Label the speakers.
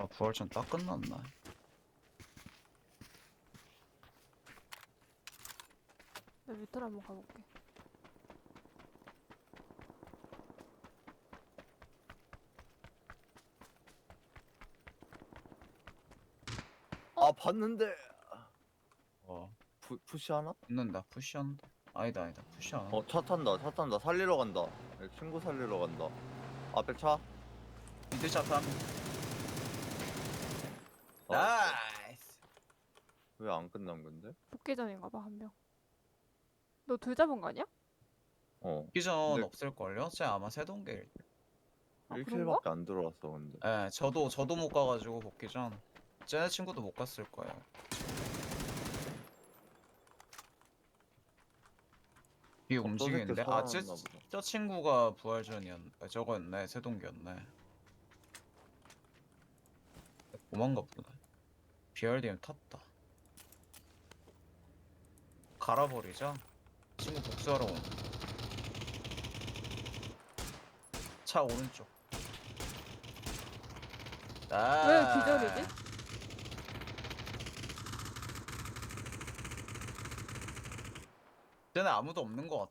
Speaker 1: 부활전 딱 끝났나?
Speaker 2: 나 밑으로 한번 가볼게.
Speaker 3: 아 봤는데
Speaker 1: 어
Speaker 3: 푸시하나?
Speaker 1: 붙는다. 푸시한다. 아니다 푸시 안 한다.
Speaker 3: 차 탄다 살리러 간다. 친구 살리러 간다. 앞에 차.
Speaker 1: 미드 차탄.
Speaker 3: 어,
Speaker 1: 나이스.
Speaker 3: 왜 안 끝난 건데?
Speaker 2: 복귀전인가 봐, 한 명. 너 둘 잡은 거 아니야?
Speaker 1: 기전
Speaker 3: 근데
Speaker 1: 없을걸요? 쟤 아마 세동계일 듯.
Speaker 2: 아, 그런가?
Speaker 3: 1킬밖에 안 들어왔어 근데.
Speaker 1: 예, 저도 못 가가지고 복귀전. 쟤네 친구도 못 갔을 거예요. 이 움직이는데? 아,
Speaker 3: 살아났나 보다.
Speaker 1: 저 친구가 저거였네. 세동기였네. 도망가 보네. BRDM 탔다. 갈아버리자. 친구 복수하러 온. 차 오른쪽.
Speaker 2: 왜 기절이지?
Speaker 1: 쟤네 아무도 없는 것